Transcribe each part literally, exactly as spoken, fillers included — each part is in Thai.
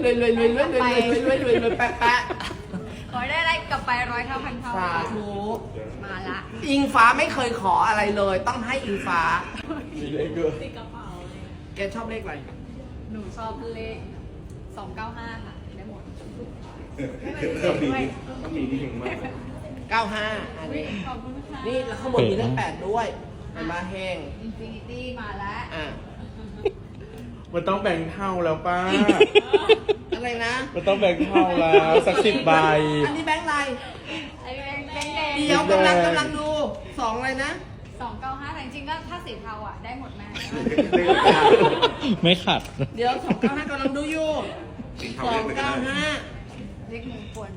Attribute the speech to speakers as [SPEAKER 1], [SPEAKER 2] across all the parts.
[SPEAKER 1] รวยรวยรวยรวยรวยรวยรวยรวยรวยแปะแปะ
[SPEAKER 2] ขอได้อะไรกลับไปร้อยเท่าพันเท่า
[SPEAKER 1] สาธุ
[SPEAKER 2] มาละ
[SPEAKER 1] อิงฟ้าไม่เคยขออะไรเลย ต้องให้อิงฟ้า
[SPEAKER 3] มีเลขด้วย
[SPEAKER 2] ติดกระเป๋าเลย
[SPEAKER 1] แกชอบเลขอะไร
[SPEAKER 2] หนูชอบเลขสองเก้าห้าค่ะได้หมด
[SPEAKER 3] ต้องมีต้องมีที่เก่งมาก
[SPEAKER 1] เก้าห้าอันนี้
[SPEAKER 2] ขอบคุณค่ะ
[SPEAKER 1] นี่แล้วข้างบนมีเลขแปดด้วยเห็นมาแห้ง
[SPEAKER 2] อินฟินิตี้มาแล้ว
[SPEAKER 1] อ่ะ
[SPEAKER 3] มันต้องแบ่งเท่าแล้วป้า
[SPEAKER 1] อะไรนะ
[SPEAKER 3] มันต้องแบ่งเท่าแล้วสักสิบใบ
[SPEAKER 1] อันนี้แบงค์อะไร
[SPEAKER 2] ไอ้แบงค์แบงค์แดง
[SPEAKER 1] เดี๋ยวกำลังกำลังดูสองอะไรนะ
[SPEAKER 2] สองเก้าห้าแต่จริงๆก็ถ้าสีเทาอ่ะได้หมดแม่
[SPEAKER 4] ไม่ขัด
[SPEAKER 1] เดี๋ยวสองเก้าห้ากำลังดูอยู่สองเก้าห้า
[SPEAKER 2] เลขมงคล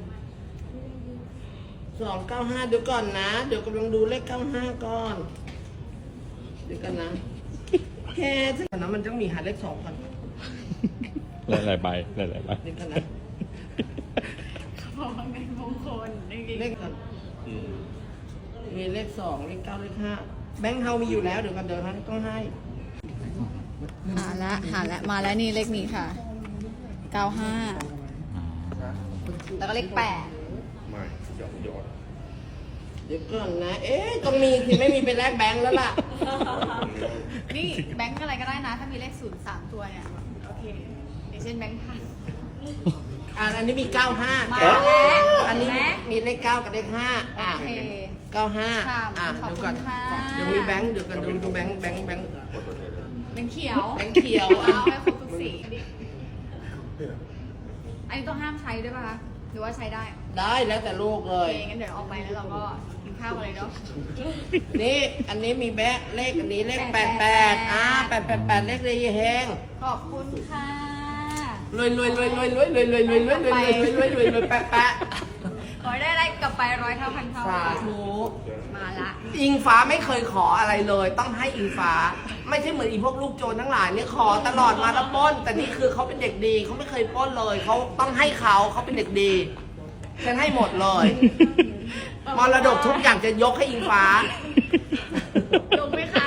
[SPEAKER 1] สองเก้าห้าเดี๋ยวก่อนนะ เดี๋ยวกำลังดูเลขเก้าห้าก่อน เดี๋ยวกันนะแค่ถ้าก่อนนะมันต้องมีหาเลขสองก่อน
[SPEAKER 4] หลายๆใบหลายๆใบ
[SPEAKER 1] เดี๋ยวกันนะ
[SPEAKER 2] เขาบอกว่าเป็นมงคลจริง
[SPEAKER 1] เลขก่อนมีเลขสองเลขเก้าเลขห้าแบงค์เฮามีอยู่แล้วเดี๋ยวกันเดี๋ยวท่านต้องให้
[SPEAKER 2] หาละหาละมาแล้วนี่เลขนี้ค่ะเก้าห้าแล้วก็เลขแปด
[SPEAKER 3] ไม่หยอดหยอด
[SPEAKER 1] เดี๋ยวก่อนนะ เอ๊ะต้องมีที่ไม่มีเป็นแลกแบงค์แล้วล่ะ
[SPEAKER 2] นี่แบงค์อะไรก็ได้นะ ถ้ามีเลขศูนย์สามตัวเนี่ยโอเคอย่างเช่นแบงค์พัน
[SPEAKER 1] อ่าอันนี้มีเก้าห้า
[SPEAKER 2] มาแล้ว
[SPEAKER 1] อันนี้
[SPEAKER 2] แม็ก
[SPEAKER 1] มีเลขเก้ากับเลขห้า
[SPEAKER 2] โอ
[SPEAKER 1] อ่ะ
[SPEAKER 2] เค
[SPEAKER 1] เก้าห้า
[SPEAKER 2] ค่ะ
[SPEAKER 1] อ่ะ
[SPEAKER 2] ขอบ
[SPEAKER 1] เดี๋ยว
[SPEAKER 2] คุ
[SPEAKER 1] ก่อน
[SPEAKER 2] ณค่ะ
[SPEAKER 1] เดี๋ยวมีแบงค์เดี๋ยวกันดูดูแบงค์แบงค์แบงค์
[SPEAKER 2] แบงค์เขียว
[SPEAKER 1] แบงค์เขียว
[SPEAKER 2] เอาให้ครบทุกสีอันนี้ต้องห้ามใช้ด้วยป่ะคะหรือว่าใช้ได้
[SPEAKER 1] ได้แล้วแต่ลูกเล
[SPEAKER 2] โอย เคงั้นเดี๋ยวออกไปแล้วเราก็กินข้าวกันเลยเนาะ
[SPEAKER 1] นี่อันนี้มีแบงค์เลขอันนี้เลขแปดแปดอ่าแปดแปดแปดเลขเลยแฮง
[SPEAKER 2] ขอบคุณค่ะ
[SPEAKER 1] รวยรวยรวยรวยรวยรวยรวยรวยรวยรวยรวยรวยรวยรวยรวยแปะแปะ
[SPEAKER 2] ขอได้อะไรกลับไปร้อยเท่าพันเท่า
[SPEAKER 1] สาธุ
[SPEAKER 2] มาละ
[SPEAKER 1] อิงฟ้าไม่เคยขออะไรเลย ต้องให้อิงฟ้า ไม่ใช่เหมือนอีพวกลูกโจรทั้งหลายเนี่ยขอตลอดมาแล้วปล้น แต่นี่คือเขาเป็นเด็กดีเขาไม่เคยปล้นเลยเขาต้องให้เขาเขาเป็นเด็กดีฉันให้หมดเลยมรดกทุกอย่างจะยกให้อิงฟ้า
[SPEAKER 2] ลงไหมคะ